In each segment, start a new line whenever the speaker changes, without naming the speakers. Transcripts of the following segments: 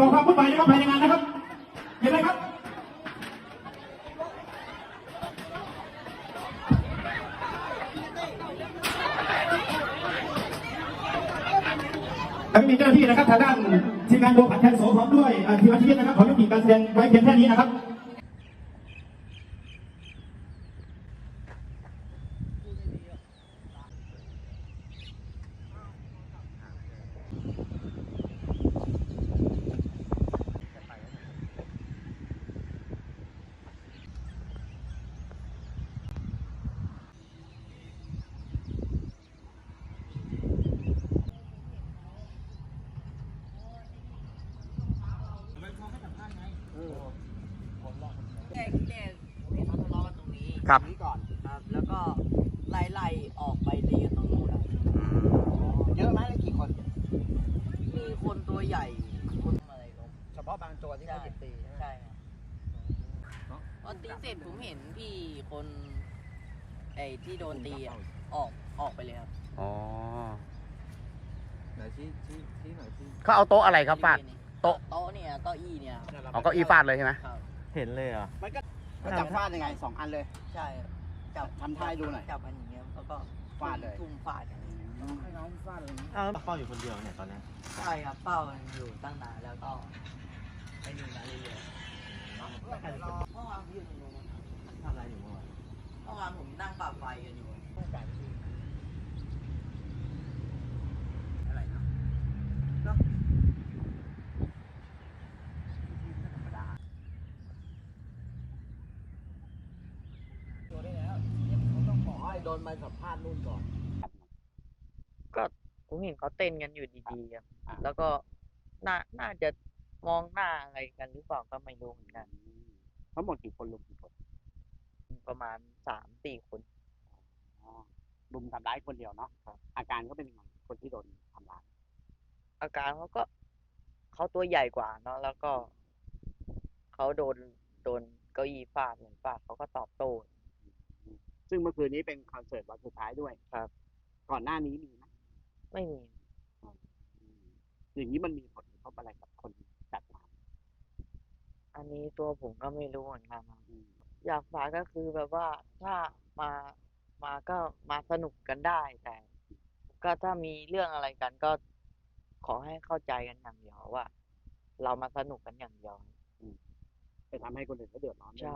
ก่อความวุ่นวายนะครับภายในงานนะครับเห็นไหมครับแล้วมีเจ้าหน้าที่นะครับทางด้านทีมงานโดผัดแทนโสพร้อมด้วยทีมอาชีพนะครับขอยุติการแสดงไว้เพียงแค่นี้นะครับ
แรกเห็นเขาทะเลาะกันตรงนี้
ครับ
นี้ก่อนครับ แล้วก็ไล่ออกไปตีกันตรงนู้นอะเยอะไหมเลยกี่คน มีคนตัวใหญ่คนอะไรลง
เฉพาะบางตัวที่เขาหยิบตีใช่ไหม
ใช่ครับพอตีเสร็จผมเห็นพี่คนไอ้ที่โดนตีอะออกไปเลยครับ
อ๋อ
ไหนชี้หน่อยชี้
เขาเอาโต๊ะอะไรครับฟาด โต๊ะ
โต๊ะเนี่ยเก้าอี้เนี่ย
เอาเก้าอี้ฟาดเลยใช่ไหม
ครับ
เห็นเลยเหรอ
มันก็จับฟาดยังไง2 อันเลย
ใช่ครับจับ
ทำท่าให้ดูหน่อย
จับมันอย่างเงี้ยแล้วก็
ฟาดเลย
ทุ่มฟาดกัน
ให้น้องฟาดเลย
อ้าวเฝ้าอยู่คนเดียวเนี่ยตอนนี้
ใช่ครับเป้ามันอยู่ตั้งนานแล้วก็ไม่นิ่งนะเรื่อยๆเมื่อวานพี่อยู่ตรงนู้น
ทำอะไรอยู่เมื่อวาน
เมื่อวานผมนั่งปราบไฟกันอยู่อะไรนะตัวได้แล้วเขาต้องขอให้โดนมาสัมภาษณ์นู่นก่อน ก็ผมเห็นเขาเต้นกันอยู่ดีๆครับแล้วก็น่าจะมองหน้าอะไรกันหรือเปล่าก็ไม่รู้เหมือนกัน
ทั้งหมดกี่คนลุมกี่คน
ประมาณ3-4 คน
ลุมทำร้ายคนเดียวเนาะอาการก็เป็นยังไงคนที่โดนทำร้าย
อาการเขาตัวใหญ่กว่าเนาะแล้วก็เขาโดนเก้าอี้ฟาดเหมือนฟาดเขาก็ตอบโต้
ซึ่งเมื่อคืนนี้เป็นคอนเสิร์ตวันสุดท้ายด้วย
ครับ
ก่อนหน้านี้มีไหม
ไม่มี
อย่างนี้มันมีผลกระทบอะไรกับคนจัดงาน
อันนี้ตัวผมก็ไม่รู้เหมือนกันครับอยากฝากก็คือแบบว่าถ้ามาก็มาสนุกกันได้แต่ ก็ถ้ามีเรื่องอะไรกันก็ขอให้เข้าใจกันอย่างเดียวว่า เรามาสนุกกันอย่างเดียว
ไปทำให้คนอื่นเขาเดือดร้อนด้วย
ใช่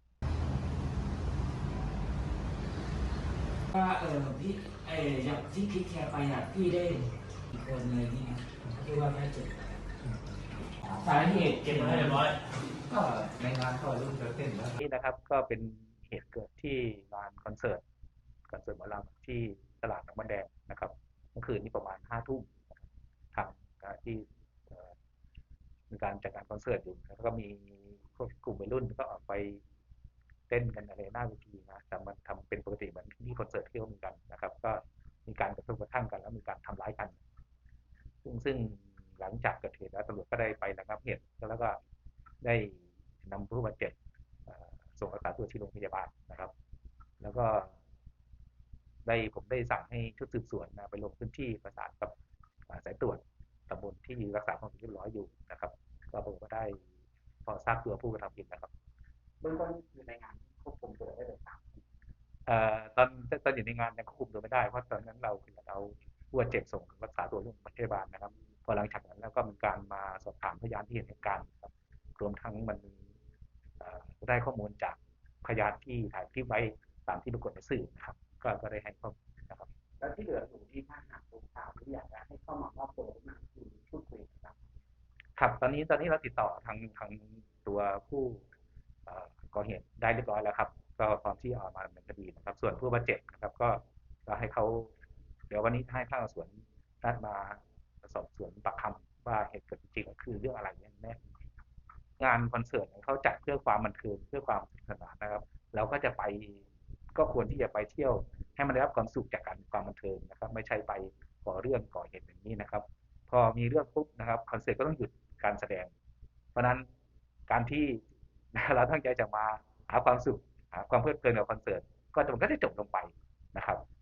ว่าพี่อย่างที่คิดแคร์ไปอ่ะพี่ได้อีกคนเลยที่นะที่ว่าแค่จุดสาเหตุเก็บมาเรียบร้อยก็ในงานก็รุ่นเต้นแล้ว
นี่นะครับก็เป็นเหตุเกิดที่งานคอนเสิร์ตหมอลำที่ตลาดหนองบันแดงนะครับเมื่อคืนนี้ประมาณ5 ทุ่มทางที่มีการจัดงานคอนเสิร์ตอยู่แล้วก็มีพวกกลุ่มวัยรุ่นก็ออกไปเต้นกันอะไรหน้าเวทีนะแต่มันทำเป็นปกติเหมือนที่คอนเสิร์ตที่เขามีกันนะครับก็มีการกระทบกระทั่งกันแล้วมีการทำร้ายกันซึ่งหลังจากเกิดเหตุแล้วตำรวจก็ได้ไประงับเหตุแล้วก็ได้นำผู้บาดเจ็บส่งรักษาตัวที่โรงพยาบาลนะครับแล้วก็ผมได้สั่งให้ชุดสืบสวนไปลงพื้นที่ประสานกับสายตรวจตำบลที่รักษาความสงบเรียบร้อยอยู่นะครับก็ผมก็ได้พอทราบตัวผู้กระทำผิดนะครับเบื้องต้นอยู่ในงานควบคุมตัวได้เลยครับตอนอยู่ในงานยังควบคุมตัวไม่ได้เพราะตอนนั้นเราผู้บาดเจ็บส่งรักษาตัวที่โรงพยาบาลนะครับพอหลังจากนั้นแล้วก็มีการมาสอบถามพยานที่เห็นเหตุการณ์ครับรวมทั้งมันได้ข้อมูลจากพยานที่ถ่ายคลิปไว้ตามที่ปรากฏในสื่อนะครับก็ได้ให้ข้อมูลนะครับแล้วที่เหลืออยู่ที่ท่านหากตัวข่าวหรืออยากจะให้เข้ามามอบตัวมาคือพูดคุยนะครับครับตอนนี้เราติดต่อทางตัวผู้ก่อเหตุได้เรียบร้อยแล้วครับก็พร้อมที่เอามาดำเนินคดีนะครับส่วนผู้บาดเจ็บนะครับก็ให้เขาเดี๋ยววันนี้ให้ข้างสวนนัดมาสอบสวนปากคำว่าเหตุเกิดจริงๆคือเรื่องอะไรแน่งานคอนเสิร์ตเขาจัดเพื่อความบันเทิงเพื่อความสนุกสนานนะครับเราก็จะไปก็ควรที่จะไปเที่ยวให้มันได้รับความสุขจากการความบันเทิงนะครับไม่ใช่ไปก่อเรื่องก่อเหตุอย่างนี้นะครับพอมีเรื่องปุ๊บนะครับคอนเสิร์ตก็ต้องหยุดการแสดงเพราะนั้นการที่เราตั้งใจจะมาหาความสุขหาความเพลิดเพลินกับคอนเสิร์ตมันก็จะจบลงไปนะครับ